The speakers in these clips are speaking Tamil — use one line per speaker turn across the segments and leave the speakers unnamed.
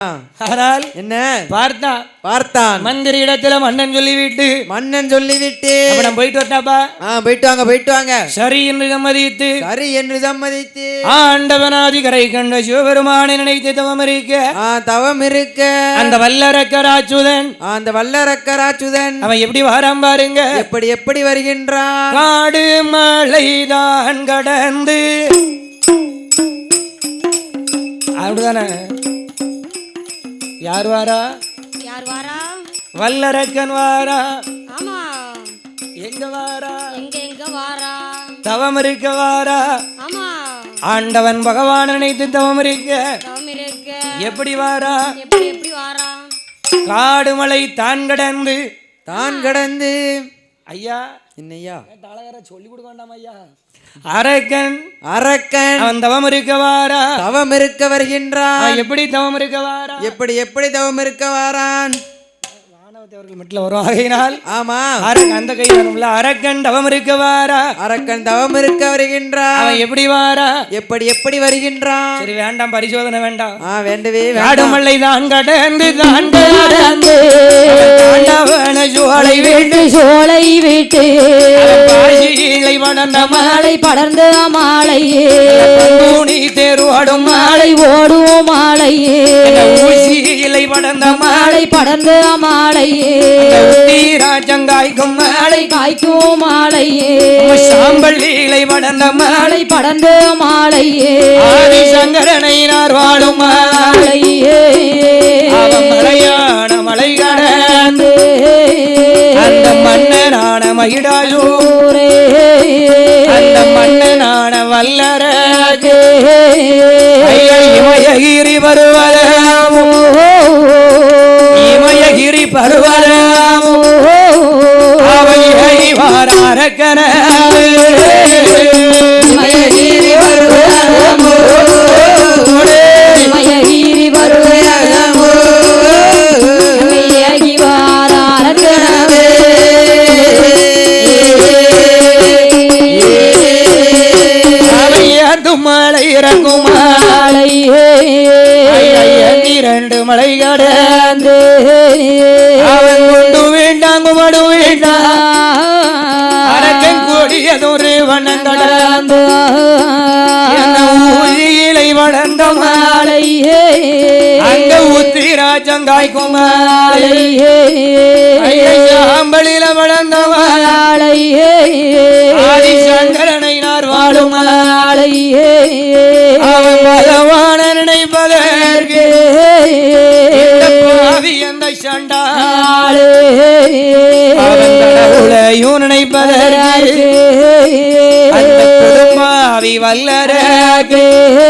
ஆனால்
என்ன
பார்த்தான்
மந்திரி இடத்துல மன்னன் சொல்லிவிட்டு
அவன் போயிட்டு வரட்டாப்பா.
போயிட்டு வாங்க
சரி என்று சம்மதித்து ஆண்டவனாதி கரை கண்ட சிவபெருமானை நினைத்து தவம் இருக்க அந்த வல்லரக்கராச்சுதன் அவன் எப்படி வாராம் பாருங்க. எப்படி வருகின்றான். காடு மலைதான் கடந்து அப்படிதானே. யார் வாரா? வல்லரக்கன் வாரா.
ஆமா.
எங்க வாரா?
எங்க வாரா?
தவம் இருக்க வாரா.
ஆமா.
ஆண்டவன் பகவான் நினைத்து தவம் இருக்க எப்படி வாரா?
எப்படி வாரா?
காடு மலை தான் கடந்து ஐயா
என்னையா
சொல்லி கொடுக்க வேண்டாம் ஐயா. அரக்கன் அவன் தவம் இருக்க வருகின்றான். எப்படி தவம் இருக்க வாரான். வானவத்தவர்கள் மட்டும் வரும் ஆகையினால்
ஆமா
அந்த கை வரும்ல. அரக்கன் தவம் இருக்க வருகின்றான். அவன் எப்படி வாரா? எப்படி வருகின்றான். சரி வேண்டாம், பரிசோதனை வேண்டாம்.
வேண்டவே
காடுமல்லை தான் கடந்து
சோலை வீட்டு
படர்ந்த மாலை தேர்வாடும் மாலை
ஓடுவோம் மாலையே
இலை படர்ந்த
படர்ந்த மாலையே
ராஜங்காய்க்கும் மாலை
காய்க்கும் மாலையே
சாம்பல் இலை படர்ந்த
படர்ந்த மாலையே
சங்கரனை வாழும்
மாலையே
மலையான மலை கடந்து அந்த மன்னனான மகிடாயூரே அந்த மன்னனான வல்லரகே இமயகிரி பருவதமோ அவை வாரக்கன
இமயகிரி பருவதமோ
மலை இறங்கும் இரண்டு மலை கடந்து அவன் கொண்டு வேண்டாம் குமடு வேண்டாம் அரக்கன் கூடியதொரு வண்ணம் கடந்து ஊழியிலை வளர்ந்த மாலையே அங்க உத்திராஜங்காய்க்கும் மாலையே சாம்பலில வளர்ந்த மாலையே ஆதிசங்கரனை வாழும் மாலையே அவன் பகவான நினைப்பதற்கு அந்த சண்டாளே அவன் கடவுளையும் நினைப்பதற்கு அந்த குடும்பாவி வல்லரகே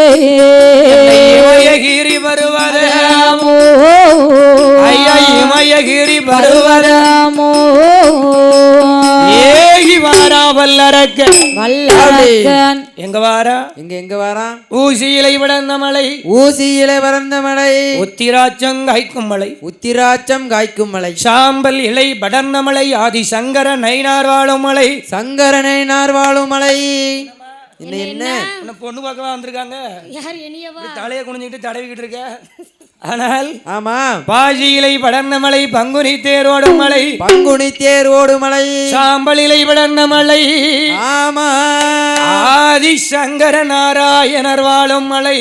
இமயகிரி பருவதமோ ஐயா இமயகிரி பருவதமோ ஏகி வாரா வல்லரக்கன் எங்க வாரா ஊசியிலை படர்ந்த மலை உத்திராச்சம் காய்க்கும் மலை சாம்பல் இலை படர்ந்த மலை ஆதி சங்கர நயினார் வாழும் மலை என்ன பொண்ணு பார்க்க வந்திருக்காங்க. தலையை குனிஞ்சிட்டு தடவிக்கிட்டு இருக்க. ஆனால்
ஆமா
பாஜியிலை படர்ந்த மலை பங்குனி தேரோடும் மலை சாம்பலிலை படர்ந்த மலை
ஆமா
ஆதி சங்கர நாராயணர் வாழும் மலை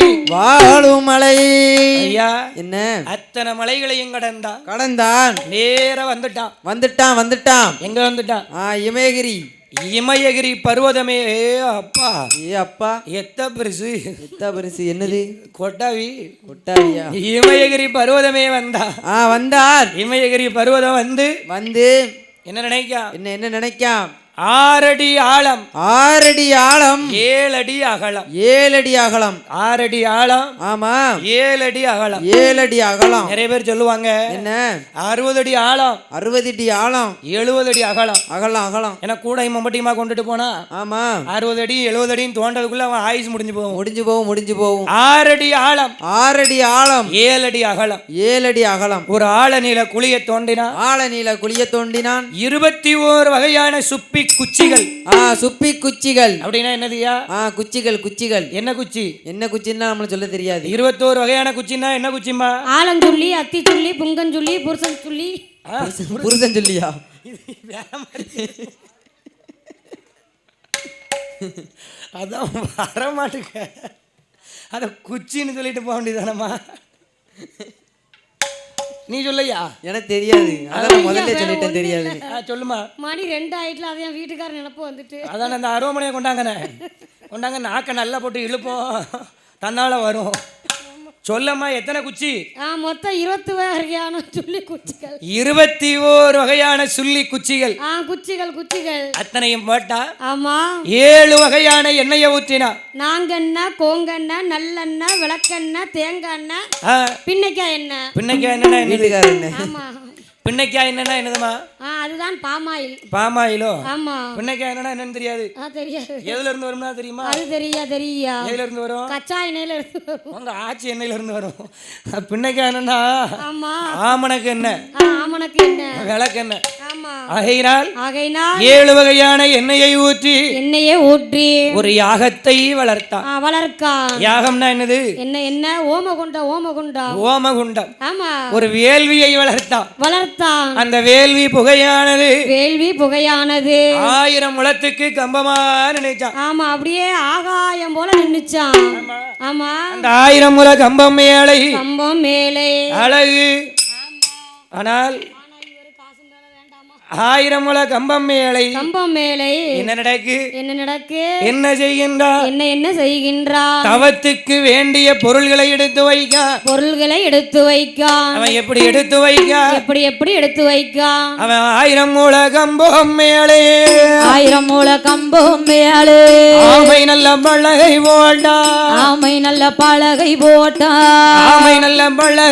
ஐயா
என்ன
அத்தனை மலைகளையும்
கடந்தான்
நேர வந்துட்டான் எங்க வந்துட்டான் இமயகிரி பர்வதமே. அப்பா எத்த பெருசு
என்னது
கொட்டாவியா இமயகிரி பர்வதமே வந்தார் இமயகிரி பர்வதம் வந்து என்ன நினைக்காம் 6 அடி ஆழம் 7 அடி அகலம் 6 அடி ஆழம்
ஆமா
7 அடி அகலம் நிறைய பேர் சொல்லுவாங்க
என்ன
60 அடி ஆழம்
70
அடி அகலம்
ஏன்னா
கூட மம்பட்டியமா கொண்டுட்டு போனா
ஆமா
60 அடி 70 அடின்னு தோண்டதுக்குள்ள அவன் ஆயுசு முடிஞ்சு போகும் 6 அடி ஆழம் 7 அடி அகலம் ஒரு ஆழ நீல குழிய தோண்டினான் 21 வகையான சுப்பி குச்சிகள்.
சுப்பி குச்சிகள்
அப்படின்னா என்னதுயா?
குச்சிகள் குச்சிகள்.
என்ன குச்சி?
என்ன குச்சின்னா நம்மளுக்கு சொல்ல தெரியாது.
21 வகையான குச்சின்னா என்ன குச்சிமா?
ஆலஞ்சுள்ளி, அத்திச்சுள்ளி, புங்கஞ்சுள்ளி, புருஷன் சொல்லி.
புருஷன் சொல்லியா?
அதான் வரமாட்டுக்க. அத குச்சின்னு சொல்லிட்டு போக வேண்டியதானம்மா. நீ சொல்லையா? எனக்கு தெரியாது. அதான் முதல்ல சொல்லிட்டேன் தெரியாது. சொல்லுமா.
மணி 2 ஆயிட்டுல அதையும் வீட்டுக்காரர் நினைப்பு வந்துட்டு.
அதான் அந்த அருவமனையை கொண்டாங்கண்ணே. கொண்டாங்க நாக்க நல்லா போட்டு இழுப்போம், தன்னால வரும். சொல்லம்மா எத்தனை குச்சி?
மொத்தம் 20 வகையான சுள்ளி குச்சிகள்.
21 வகையான சுள்ளி குச்சிகள்.
குச்சிகள் குச்சிகள்
அத்தனையும் போட்டா.
ஆமா.
7 வகையான எண்ணெயை ஊற்றினா.
நாங்கெண்ணெய், கோங்கெண்ணெய், நல்லெண்ணெய், விளக்கெண்ணெய், தேங்காய் எண்ணெய், பின்னைக்காய் எண்ணெய்.
பின்னைக்காய் என்னன்னா வீட்டுக்கார எண்ணெய்.
ஆமா.
பின்னைக்காய் என்னன்னா என்னதுமா?
அதுதான் பாமாயில்.
பாமாயிலோ?
ஆமா.
பின்னைக்காய் என்னன்னா என்னன்னு தெரியாது.
தெரியாது.
எதுல இருந்து வரும்னா தெரியுமா?
அது தெரியா.
எதுல இருந்து வரும்?
கச்சா எண்ணெயில இருந்து வரும்.
உங்க ஆச்சி எண்ணெயில இருந்து வரும். பின்னைக்காய் என்னன்னா?
ஆமா.
ஆமணக்கு எண்ணெய்.
ஆமணக்கு எண்ணெய். விளக்கு எண்ணெய். ஆமா. ஆகையினால்
7 வகையான எண்ணெயை ஊற்றி ஒரு யாகத்தை
வளர்த்தான்.
யாகம்னா என்னது?
என்ன ஓமகுண்டம்.
ஓமகுண்டம்.
ஆமா.
ஒரு வேள்வியை வளர்த்தான். அந்த வேள்வி புகையானது 1000 முழத்துக்கு கம்பமா நினைச்சான்.
ஆமா. அப்படியே ஆகாயம் போல நின்னுச்சான். ஆமா.
அந்த 1000 முழ கம்பம் மேலே அழகு. ஆனால் 1000 முழ கம்பம் மேலே என்ன நடக்கு? என்ன செய்கின்றான்? தவத்துக்கு வேண்டிய பொருள்களை எடுத்து வைக்க. அவன் எப்படி எடுத்து வைக்க? அவன் 1000 முழ கம்பம் மேலே ஆமை நல்ல பலகை போட்டா. ஆமை நல்ல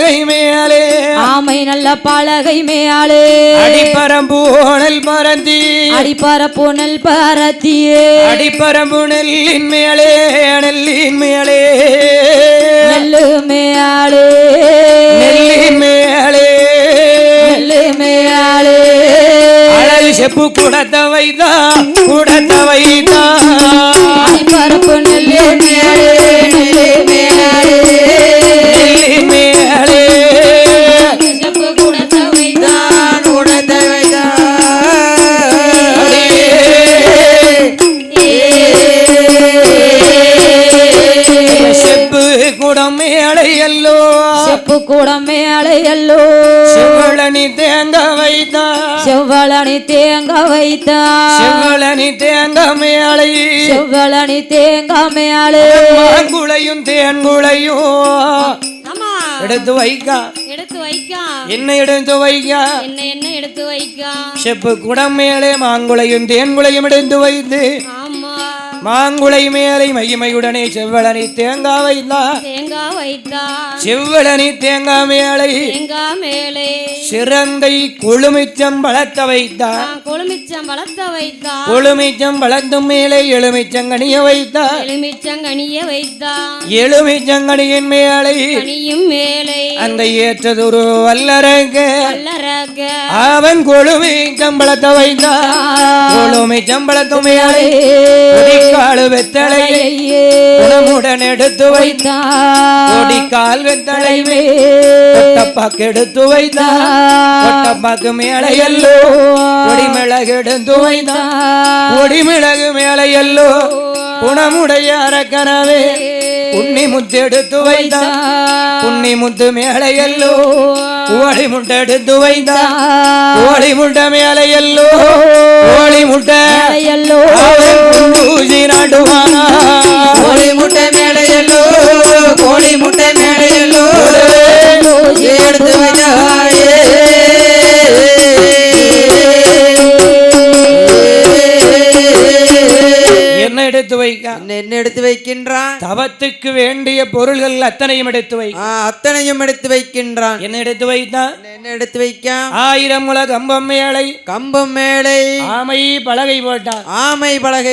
பலகை மேலே அடிப்பரம்பூனல் பரத்தியே அடிப்பரம்பு நெல்லின் மேலே அழகு செப்பு குடத்த வைத்தா
பரப்பு நெல்லின் மேலே செப்பு குடத்த செப்பு குடம் மேலையல்லோ
செவ்வளனி தேங்க வைத்தா செவ்வளனி தேங்க மேலே மாங்குளையும் தேன்குளையும் எடுத்து வைக்க. என்ன எடுத்து வைக்க? செப்பு குடம் மேலே மாங்குளையும் தேன்குளையும் எடுத்து வைத்து மாங்குளை மேலை மகிமையுடனே செவ்வளனி தேங்காய் வைத்தா. செவ்வளனி தேங்காய் மேலை சிறந்தை கொழுமிச்சம் வளர்த்த வைத்தா. கொழுமிச்சம் வளர்த்தும் மேலே எலுமிச்சங்கனிய வைத்தா. எலுமிச்சங்கனியின் மேலை அந்த ஏற்றதொரு வல்லரக அவன் கொழுமிச்சம் வளர்த்த வைத்தா. கொழுமிச்சம் வளர்த்தும் மேலை காலு வெத்தலையை உணமுடன் எடுத்து வைத்தான். கொடிக்கால் வெத்தலை கொட்டப்பாக்கு எடுத்து வைத்தான். கொட்டப்பாக்கு மேலையல்லோ கொடிமிளகு எடுத்து வைத்தான். கொடிமிளகு மேலையல்லோ குணமுடைய அரக்கனவே உண்ணி முத்து எடுத்து வைத்தான். உண்ணி முத்து மேலையல்லோ கோழி முட்டை எடுத்து வைத்தான். கோழி முட்டை மேலையல்லோ கோழி முட்டை ஊசி நாட்டுவானா. கோழி முட்டை மேலையல்லோ கோழி முட்டை மேலையல்லோ எடுத்து வைத்தாயே. என்ன எடுத்து வைக்க? என்ன எடுத்து வைக்கின்றான்? தவத்துக்கு வேண்டிய பொருள்கள் அத்தனையும் எடுத்து வைக்கின்றான். என்ன எடுத்து வைத்தான்? என்ன எடுத்து வைக்க? 1000 முழ கம்பம் மேலை ஆமை பலகை போட்டான். ஆமை பலகை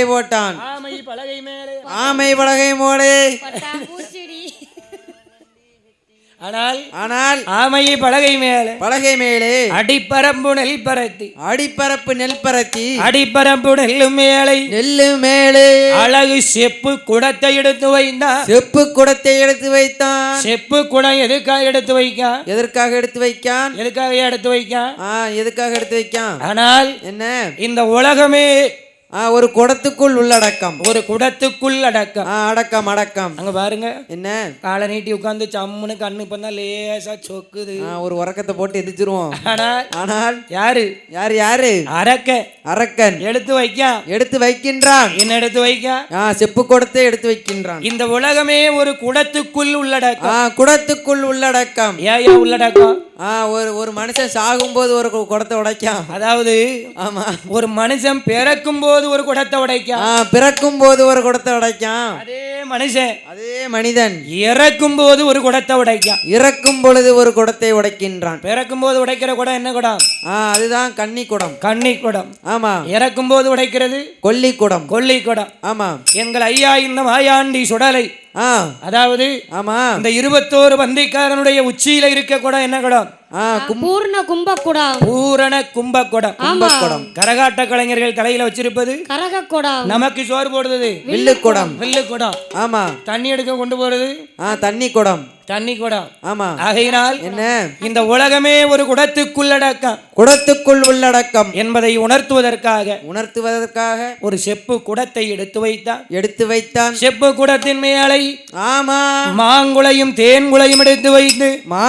மேலே ஆனால்
ஆனால்
ஆமையை பலகை மேலே
பலகை மேலே
அடிப்பரம்பு நெல் பரத்தி
அடிப்பரப்பு நெல் பரத்தி
அடிப்பரம்பு நெல்லு மேலே
நெல்லு மேலே
அழகு செப்பு குடத்தை எடுத்து வைத்தான்.
செப்பு குடத்தை எடுத்து வைத்தான்.
செப்பு குடம் எதுக்காக எடுத்து வைக்கான்?
எதற்காக எடுத்து வைக்கான்?
எதுக்காக எடுத்து வைக்கான்?
எதுக்காக எடுத்து வைக்கான்?
ஆனால்
என்ன
இந்த உலகமே
ஒரு குடத்துக்குள் உள்ளடக்கம்.
ஒரு குடத்துக்குள் அடக்கம்.
அடக்கம் அடக்கம்.
அங்க பாருங்க
என்ன
காலை நீட்டி உட்கார்ந்து சம்முன்னு கண்ணு பண்ணா லேசா சொக்குது.
ஒரு உறக்கத்தை போட்டு எதிர்ச்சிருவோம்.
ஆனால் யாரு
யாரு யாரு? அரக்கன்
எடுத்து வைக்கான்.
எடுத்து வைக்கின்றான்.
என்ன எடுத்து வைக்கான்?
செப்பு குடத்தை எடுத்து வைக்கின்றான்.
இந்த உலகமே ஒரு குடத்துக்குள் உள்ளடக்கம்.
குடத்துக்குள் உள்ளடக்கம்.
ஏன் உள்ளடக்கம்?
ஒரு மனுஷன் சாகும் போது ஒரு குடத்தை உடைக்கான்.
அதாவது
ஆமா
ஒரு மனுஷன் பிறக்கும் போது ஒரு குடத்தை உடைக்கான்.
பிறக்கும் போது ஒரு குடத்தை உடைக்கான்.
அதே மனுஷன்
அதே மனிதன்
இறக்கும் போது ஒரு குடத்தை உடைக்கான்.
இறக்கும் பொழுது ஒரு குடத்தை உடைக்கின்றான்.
பிறக்கும் போது உடைக்கிற குடம் என்ன குடம்?
அதுதான் கன்னி குடம். கன்னி குடம். ஆமா.
இறக்கும் போது உடைக்கிறது
கொல்லி குடம். கொல்லி குடம். ஆமா.
எங்கள் ஐயா இந்த மாயாண்டி சுடலை அதாவது ஆமா இந்த 21 பந்திக்காரனுடைய உச்சியில இருக்க குடம் என்ன குடம்?
பூர்ண கும்பகுடம்.
பூரண கும்பகுடம். கும்பகுடம். கரகாட்ட கலைஞர்கள் தலையில வச்சிருப்பது
கரகக்குடம்.
நமக்கு சோறு போடுறது
வில்லு குடம்.
வில்லு குடம். ஆமா. தண்ணி எடுக்க கொண்டு போறது
தண்ணி குடம்.
தண்ணி குடம்.
ஆமா.
ஆகையினால் என்ன இந்த உலகமே ஒரு குடத்துக்குள்ளடக்கம்.
குடத்துக்குள் உள்ளடக்கம்
என்பதை உணர்த்துவதற்காக ஒரு செப்பு குடத்தை எடுத்து வைத்தான். செப்பு குடத்தின் மேலே
ஆமா
மாங்குளையும் தேன்குளையும் எடுத்து வைத்து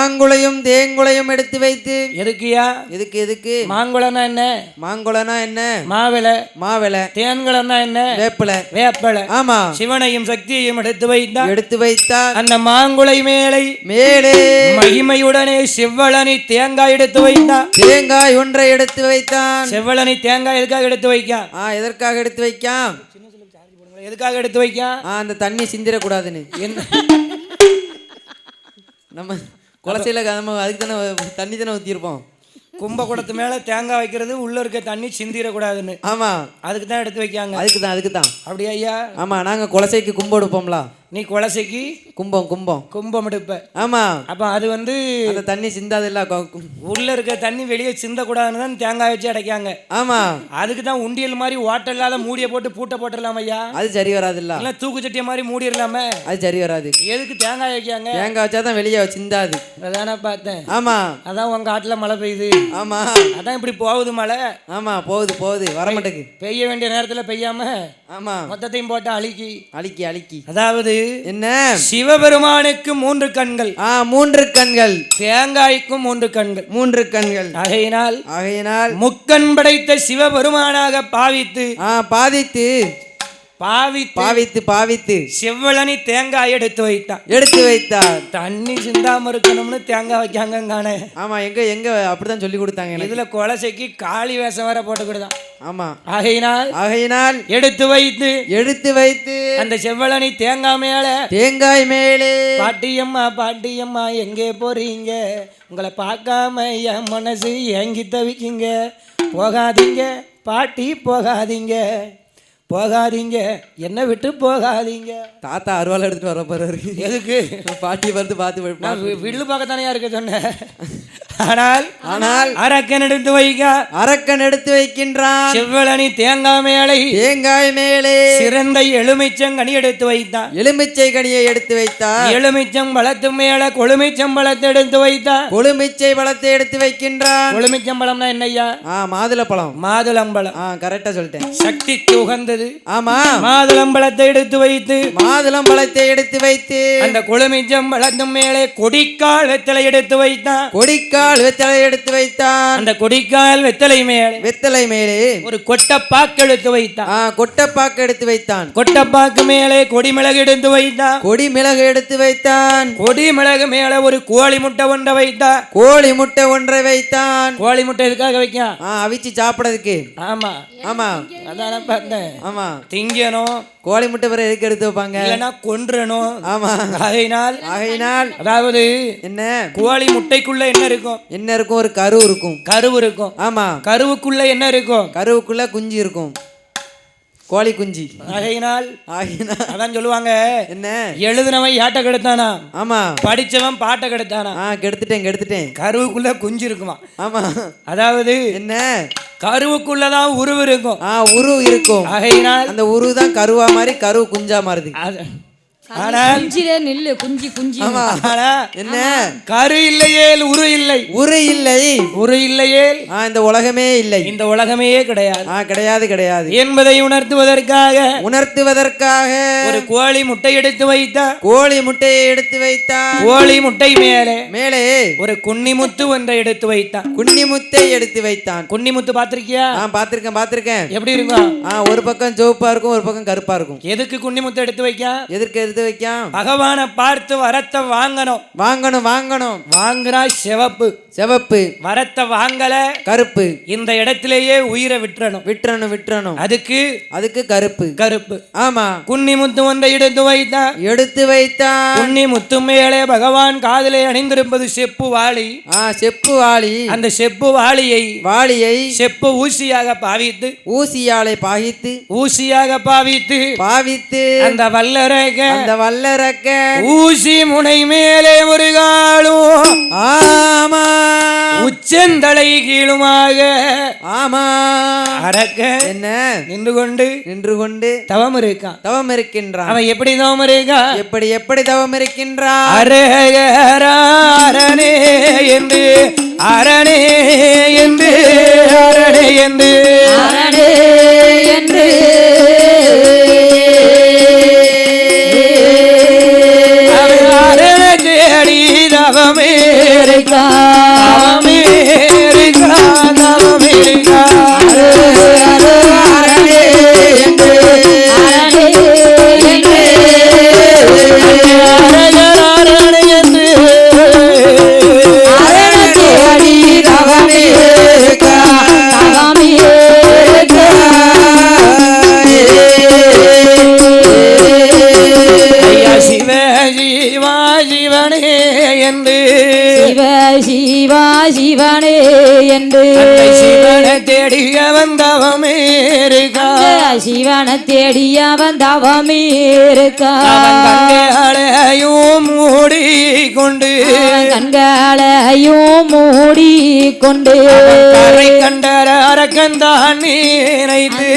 எடுத்து வைத்து
எதுக்குயா?
எதுக்கு
மாங்குளம்னா என்ன?
மாங்குளம்னா என்ன?
மாவிளை. தேன்குளம்னா என்ன? வேப்பலை.
ஆமா.
சிவனையும் சக்தியையும் எடுத்து வைத்தான். அந்த மாங்குளை மேலே மகிமையுடனே செவ்வளனி தேங்காய் எடுத்து வைத்தான்.
தேங்காய் ஒன்றை எடுத்து வைத்தான்.
செவ்வளனி தேங்காய் எதுக்காக எடுத்து வைக்கான்?
எதற்காக எடுத்து வைக்கான்?
எதுக்காக எடுத்து வைக்கான்?
அந்த தண்ணி சிந்திரக்கூடாதுன்னு. நம்ம குளசையில அதுக்கு தானே தண்ணி தானே ஊற்றிருப்போம்.
கும்பகுடத்து மேல தேங்காய் வைக்கிறது உள்ள இருக்க தண்ணி சிந்திரக்கூடாதுன்னு.
ஆமா. அதுக்கு
தான் எடுத்து வைக்காங்க.
அதுக்கு தான்
அப்படியா ஐயா?
ஆமா. நாங்க குலசைக்கு கும்பம் எடுப்போம்ல.
நீ குலசைக்கு கும்பம் எடுப்ப.
ஆமா.
அப்ப அது அந்த
தண்ணி சிந்தாது இல்ல,
உள்ள இருக்க தண்ணி வெளியே சிந்த கூடாதுன்னு தான் தேங்காய் வச்சு அடைக்காங்க.
ஆமா. அதுக்கு
தான் உண்டியல் மாதிரி ஓட்டல் இல்லாத மூடிய போட்டு பூட்டை போட்டுடலாம் ஐயா.
அது சரி வராது இல்ல.
தூக்கு சட்டிய மாதிரி மூடிடலாமே.
அது சரி வராது.
எதுக்கு தேங்காய் வைக்காங்க?
தேங்காய் வச்சாதான் வெளியே சிந்தாது.
அதானே பார்த்தேன்.
ஆமா.
அதான் உங்க காட்டுல மழை பெய்யுது.
ஆமா.
அதான் இப்படி போகுது மழை.
ஆமா போகுது வர மாட்டேங்குது.
பெய்ய வேண்டிய நேரத்துல பெய்யாம
ஆமா
மொத்தத்தையும் போட்டு
அழிக்கி. அதாவது
என்ன? சிவபெருமானுக்கு 3 கண்கள்.
3 கண்கள்.
தேங்காய்க்கும் 3 கண்கள். ஆகையினால் முக்கண் படைத்த சிவபெருமானாக பாவித்து செவ்வளனி தேங்காய் எடுத்து வைத்தான். தண்ணி சிந்தாம இருக்கணும்னு தேங்காய் வைக்காங்க.
ஆமா. எங்க அப்படிதான் சொல்லி கொடுத்தாங்க.
இதுல குலசைக்கு காளி வேஷம் வர போட்டு கொடுத்தான்.
ஆமா.
ஆகையினால் எடுத்து வைத்து அந்த செவ்வளனி தேங்காய் மேலே பாட்டியம்மா எங்கே போறீங்க? உங்களை பார்க்காம என் மனசு ஏங்கி தவிக்குங்க. போகாதீங்க பாட்டி, போகாதீங்க, என்ன விட்டு போகாதீங்க.
தாத்தா அருவாள் எடுத்துட்டு வர போறாரு.
எதுக்கு?
பாட்டி பார்த்து
வில்லு பார்க்கத்தானே இருக்க சொன்னேன். ஆனால் அரக்கன் எடுத்து வைக்கின்றான். செவ்வளனி தேங்காய் மேலே சிறந்த எலுமிச்சங்கனி எடுத்து வைத்தான்.
எலுமிச்சை கனியை எடுத்து வைத்தான்.
எலுமிச்சம் பழத்து மேல கொழுமிச்சம் பழத்தை எடுத்து வைத்தான்.
கொழுமிச்சை பழத்தை எடுத்து வைக்கின்றான்.
கொழுமிச்சம் பழம்னா என்னய்யா? மாதுளம்பழம்.
கரெக்டா சொல்லிட்டேன்.
சக்திக்கு உகந்தது.
ஆமா.
மாதுளம்பழத்தை எடுத்து வைத்து அந்த கொழுமிச்சம் பழத்து மேலே கொடிக்கால் வெத்தலை எடுத்து வைத்தான். அந்த கொடிக்கால் வெத்தலை மேலே ஒரு கொட்டப்பாக்கு எடுத்து வைத்தான். கொட்டப்பாக்கு மேலே கொடிமிளகு எடுத்து வைத்தான். கொடிமிளகு மேலே ஒரு கோழி முட்டை ஒன்றை வைத்தான். கோழி முட்டை எதுக்காக வைக்கான்?
அவிச்சு சாப்பிடறதுக்கு.
ஆமா. அதான பார்த்தேன்.
ஆமா.
திங்கணும்.
கோழி முட்டை பிறகு எதுக்கு எடுத்து வைப்பாங்க?
இல்லைன்னா கொன்றணும்.
ஆமா. ஆகையினால்
அதாவது என்ன? கோழி முட்டைக்குள்ள என்ன இருக்கும்?
ஒரு கரு இருக்கும்.
ஆமா.
கருவுக்குள்ள என்ன இருக்கும்? கருவுக்குள்ள குஞ்சு இருக்கும். கோழி குஞ்சு.
ஆகையினால் அதான் சொல்லுவாங்க,
என்ன
எழுதுனவன் ஏட்ட கெடுத்தானா,
ஆமா
படிச்சவன் பாட்டை கெடுத்தானா.
கெடுத்துட்டேன்.
கருவுக்குள்ள குஞ்சு இருக்குமா.
ஆமா,
அதாவது
என்ன
கருவுக்குள்ளதான் உருவு இருக்கும்.
உருவு இருக்கும்.
ஆகையினால்
அந்த உருவு தான் கருவா மாதிரி கரு குஞ்சா மாறுது.
என்ன கரு இல்லையே உரு இல்லை, உரு இல்லையே
இந்த உலகமே இல்லை,
இந்த உலகமே கிடையாது
கிடையாது
என்பதை உணர்த்துவதற்காக ஒரு கோழி முட்டை எடுத்து வைத்தார்.
கோழி முட்டையை எடுத்து வைத்தார்.
கோழி முட்டை மேலே ஒரு குன்னிமுத்து ஒன்றை எடுத்து வைத்தான்.
குன்னிமுத்தை எடுத்து வைத்தான்.
குன்னிமுத்து பாத்திருக்கியா?
பாத்திருக்கேன்.
எப்படி இருக்கும்?
ஒரு பக்கம் சிவப்பா இருக்கும், ஒரு பக்கம் கருப்பா இருக்கும்.
எதுக்கு குன்னிமுத்து எடுத்து வைக்க?
பகவானை
பார்த்து வரத்தை வாங்கணும். வாங்குறா சிவப்பு, வரத்தை வாங்கல கருப்பு. இந்த இடத்திலேயே உயிரை விட்டுறணும். அதுக்கு கருப்பு. ஆமா, குன்னிமுத்து ஒன்றை எடுத்து வைத்தான். குன்னிமுத்து மேலே பகவான் காதிலே அணிந்திருப்பது செப்பு வாளி. அந்த செப்பு வாளியை செப்பு ஊசியாக பாவித்து, அந்த வல்லரக்க ஊசி முனை மேலே ஒரு காலும்,
ஆமா,
உச்சந்தலை கீழுமாக,
ஆமா,
அரக்க
என்ன
நின்று கொண்டு தவம்
இருக்கின்றான்.
அவன் எப்படி தவம் இருக்கான்?
எப்படி தவம் இருக்கின்றான்?
அரே என்று அரணே என்று
சிவனே என்று
சிவனை தேடிய வந்தவமே இருக்கா.
சிவனை தேடிய வந்தவமே இருக்கா.
கண்களையும் மூடிக்கொண்டு கரை கண்டர அரக்கந்தான் நினைத்து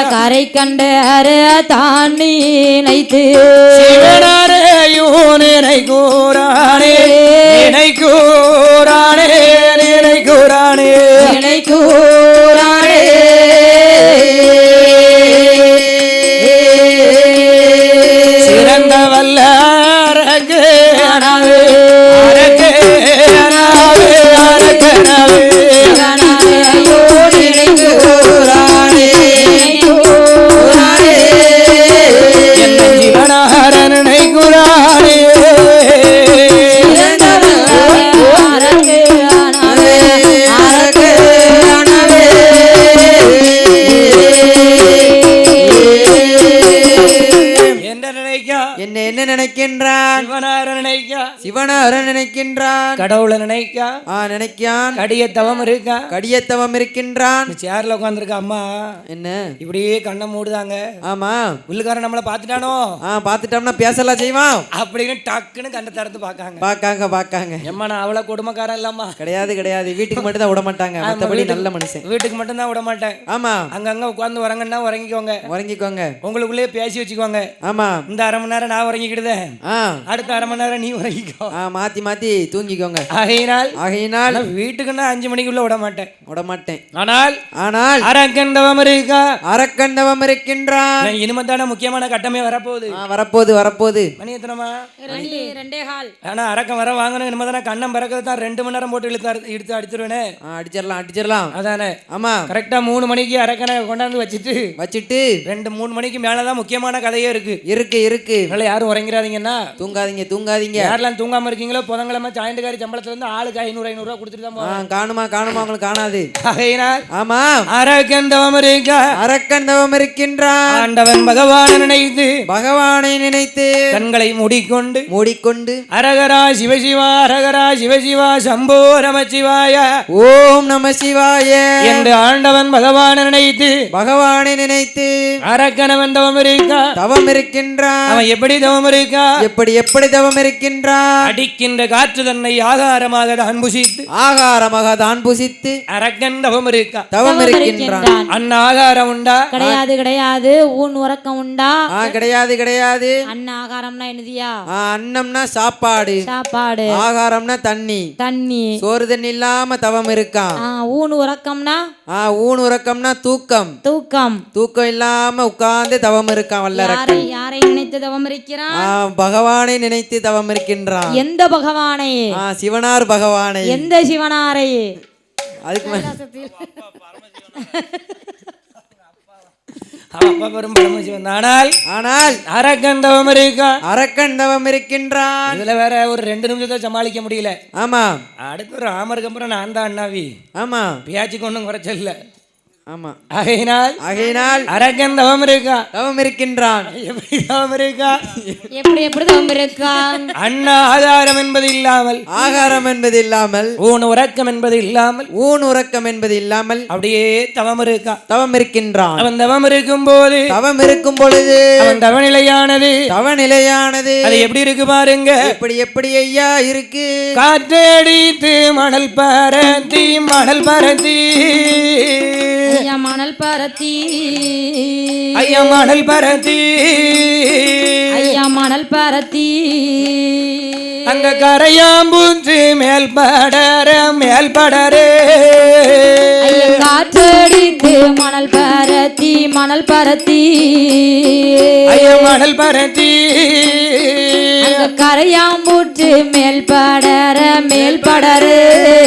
சிவனாரையும் நினைக்கூறானே சிறந்த வல்ல அரக்கனாவே ஜீவனாரனை குரானே என்ன நினைக்கின்றான்? சிவனார நினைக்கின்றான். கடவுளை நினைக்கான். கடியத்தவம் இருக்கின்றான். சேர்ல உட்கார்ந்திருக்க அம்மா என்ன இப்படியே கண்ணை மூடுதாங்க. ஆமா, உள்ளுக்காரன் நம்மள பாத்துட்டானோ, பாத்துட்டோம்னா பேசலாம் செய்வான் அப்படின்னு டக்குன்னு கண்ணை திறந்து பாக்காங்க. எம்மா நான் அவ்வளவு கொடுமைக்காரன் இல்லம்மா. கிடையாது. வீட்டுக்கு மட்டும் தான் விட மாட்டாங்க, மத்தபடி நல்ல மனுஷன். வீட்டுக்கு மட்டும் தான் விட மாட்டேன். ஆமா, அங்கங்க உட்கார்ந்து உறங்கன்னா உறங்கிக்கோங்க. உங்களுக்குள்ளேயே பேசி வச்சுக்கோங்க. ஆமா, இந்த அரை மணி நேரம் நான் உறங்கிக்கிடுதேன், அடுத்த அரை மணி நேரம் நீ உறங்கிக்கோ. மாத்தி தூங்கிக்கோங்க. ஆகையினால் வீட்டுக்குன்னா 5 மணிக்குள்ள விட மாட்டேன். ஆனால் அரக்கண்டவம் இருக்கின்றான். இனிமேதான முக்கியமான கட்டமே வரப்போகுது. மணி எத்தனமா?
2:15.
ஆனா அரக்கம் வர வாங்கணும். இனிமேதான கண்ணம் பறக்கிறது தான் 2 மணி நேரம் போட்டு இழுத்து அடிச்சிருவேனே. அடிச்சிடலாம். அதானே. ஆமா, கரெக்டா 3 மணிக்கு அரக்கனை கொண்டாந்து வச்சுட்டு 2-3 மணிக்கு மேலதான் முக்கியமான கதையே இருக்கு. அதனால யாரும் உறங்கிறாதீங்கன்னா தூங்காதீங்க. யாரெல்லாம் தூங்காம இருக்கீங்களோ புதங்களை சம்பளமா ஜாயிண்ட்காரி சம்பளத்துல இருந்து ஆளுக்கு 500 ரூபா கொடுத்துட்டு தான் போவேன்.
காணுமா உங்களுக்கு காணாது.
ஆகையினால்
ஆமா
அரக்கன் தவம்
இருக்கின்றான்.
ஆண்டவன் பகவானை நினைத்து
கண்களை மூடிக்கொண்டு
அரகரா சிவசிவா சம்போ நமசிவாய
ஓம் நம சிவாய
என்று ஆண்டவன் பகவானை நினைத்து அரக்கனவன் தவம் இருக்கின்றான். அவன் எப்படி தவம் இருக்கின்றான்? அடிக்கின்ற காற்று தன்னை ஆகாரமாக தான் புசித்து அரக்கன் தவம் இருக்கின்றான். அண்ணா ஆகாரம் உண்டா?
கிடையாது. ஊன் உறக்கம் உண்டா?
கிடையாது.
அண்ணா ஆகாரம்னா என்னதியா?
அன்னம்னா சாப்பாடு, ஆகாரம்னா தண்ணி. சோறு தண்ணி இல்லாம தவம் இருக்கான்.
ஊன் உறக்கம்னா
தூக்கம் இல்லாம உட்கார்ந்து தவம் இருக்கான். வல்லரக்கன்
யாரை நினைத்து தவம் இருக்கிறான்?
பகவானை நினைத்து தவம் இருக்கின்றான்.
எந்த பகவானை?
சிவனார் பகவானை.
எந்த சிவனாரை?
அதுக்கு
ஆனால் அரக்கன் தவம்
இருக்கின்றான்.
இதுல வேற ஒரு 2 நிமிஷத்தை சமாளிக்க முடியல.
ஆமா,
அடுத்து ஒரு ஆமருக்கு அப்புறம் நான் தான் அண்ணாவி.
ஆமா,
பேச்சுக்கு ஒன்றும் குறைச்சல.
ஆமா,
ஆகையினால் அரக்கன் தவம்
இருக்கின்றான்.
எப்படி தவம் இருக்கான்?
அண்ணா ஆகாரம் என்பது இல்லாமல் ஊன் உறக்கம் என்பது இல்லாமல் அப்படியே தவம் இருக்கின்றான். அவன் தவம் இருக்கும் பொழுது அவன் தவநிலையானது அது எப்படி இருக்கு பாருங்க.
எப்படி ஐயா இருக்கு?
காற்றடித்து மணல் பரத்தி
மணல் பரத்தி
அங்க கரையாம்பூன்று மேல் படரே
காற்றடித்து மணல் பரத்தி மணல் பரத்தி கரையாம்பூற்று மேல் படரே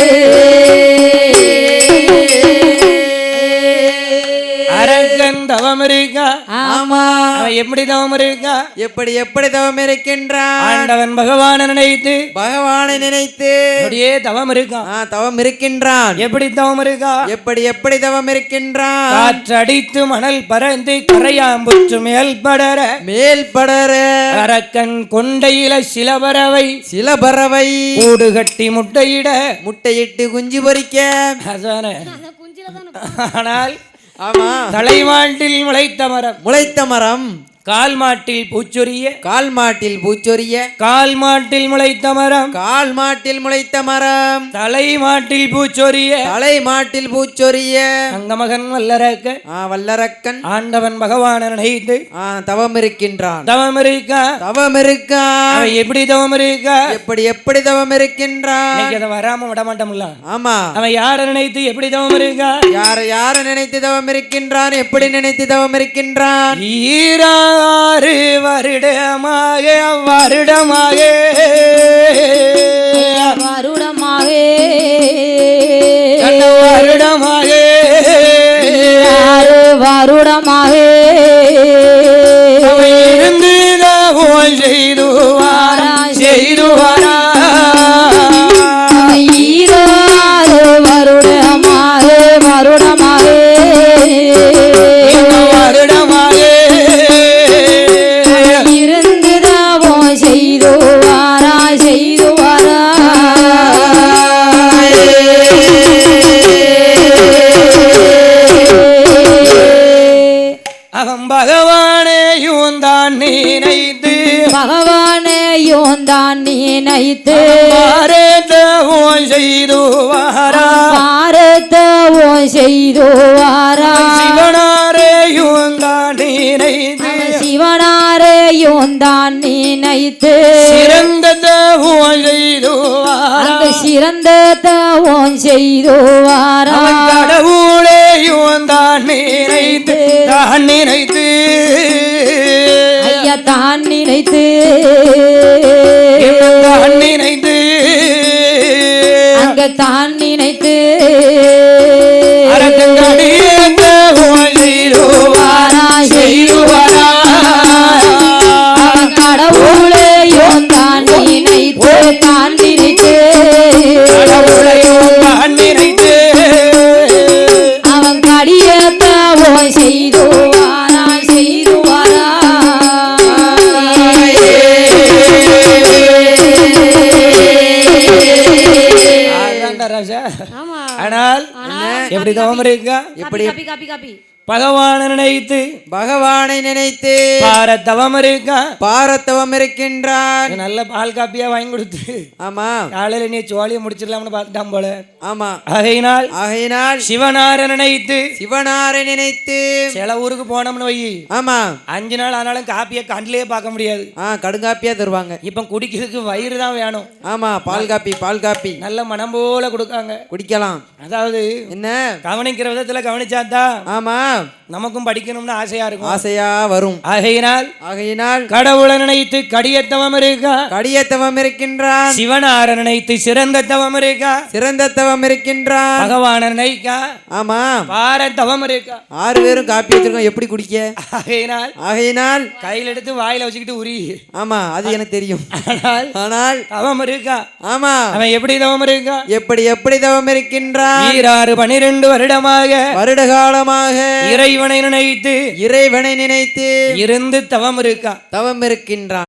அரக்கன் தவம் இருக்கா?
ஆமா.
எப்படி தவம் இருக்கா?
எப்படி தவம் இருக்கின்றான்?
ஆண்டவன் பகவானை நினைத்து
அப்படியே
தவம் இருக்கான்.
தவம் இருக்கின்றான்.
எப்படி தவம் இருக்கா?
எப்படி தவம் இருக்கின்றான்?
காற்றடித்து மணல் பறந்து கரையாம்புற்று மேல் படர அரக்கன் கொண்டையில சில பறவை கூடு கட்டி முட்டையிட்டு குஞ்சு பொறிக்க. ஆனால் தலைமாட்டில் முளைத்த மரம் கால் மாட்டில் பூச்சொரிய கால் மாட்டில் முளைத்த மரம் தலை மாட்டில் பூச்சொரிய அங்கமகன் வல்லரக்கன் ஆண்டவன் பகவானை நினைத்து
தவம் இருக்கின்றான்.
எப்படி தவம் இருக்கா?
எப்படி தவம் இருக்கின்றான்?
அதை வராம விட மாட்டோம்ல.
ஆமா,
அவன் யாரை நினைத்து எப்படி தவம் இருக்கா?
யார நினைத்து தவம் இருக்கின்றான்? எப்படி நினைத்து தவம் இருக்கின்றான்?
6 வருடமாக இருந்து தவம் செய்துவாரா 6 வருடமாக அவன் பகவானையும் தான் நினைத்து பாரதவும் செய்து வாரா சிவனாரையும் தான் நினைத்து சிறந்த தவம் செய்து வாரா கடவுளையும் தான் நினைத்து ஐயா தான் நினைத்து அங்க தான் நினைத்து கடவுளையும் தான் நினைத்து நான் நினைத்து
அவன் கடியத்தவோ செய்துவாரா செய்துவாரா
ராஜா.
ஆமா
ஆனால் எப்படி தவம் இருக்கா?
எப்படி
காப்பி காப்பி காப்பி
பகவானை நினைத்து
பகவானை நினைத்து
பாரத்தவம் இருக்கா?
பாரத்தவம் இருக்கின்றான்.
நல்ல பால் காப்பியா வாங்கி கொடுத்து
ஆமா
காலையில நீ சோழியை முடிச்சிடலாம்னு பார்த்துட்டான் போல.
ஆமா
ஆகையினால் சிவனாரை நினைத்து
சிவனாரை நினைத்து
சில ஊருக்கு போனோம்னு வை,
ஆமா
5 நாள் ஆனாலும் காப்பியை கண்ணிலேயே பார்க்க முடியாது.
கடுங்காப்பியா தருவாங்க.
இப்ப குடிக்கிறதுக்கு வயிறு தான் வேணும்.
ஆமா பால் காப்பி
நல்ல மனம் போல கொடுக்காங்க,
குடிக்கலாம்.
அதாவது
என்ன
கவனிக்கிற விதத்துல கவனிச்சாதான்
ஆமா
நமக்கும் படிக்கணும்னு ஆசையா இருக்கும்,
ஆசையா வரும்.
ஆகையினால் கடவுளை நினைத்து கடியத்தவம் இருக்கா?
கடியத்தவம் இருக்கின்றான்.
சிவனாரை நினைத்து சிறந்த தவம் இருக்கா?
சிறந்த தவம் இருக்கின்றான்.
பகவான நினைக்கா?
ஆமா
பாரத்தவம் இருக்கா?
6 பேரும் காப்பி வச்சிருக்கோம், எப்படி குடிக்க?
ஆகையினால் கையில் எடுத்து வாயில வச்சுக்கிட்டு உரி.
ஆமா அது எனக்கு தெரியும்.
ஆனால் தவம் இருக்கா?
ஆமா
அவன் எப்படி தவம் இருக்கா?
எப்படி தவம் இருக்கின்றான்?
12 வருட
காலமாக
இறைவனை நினைத்து
இருந்து தவம் இருக்கின்றான்.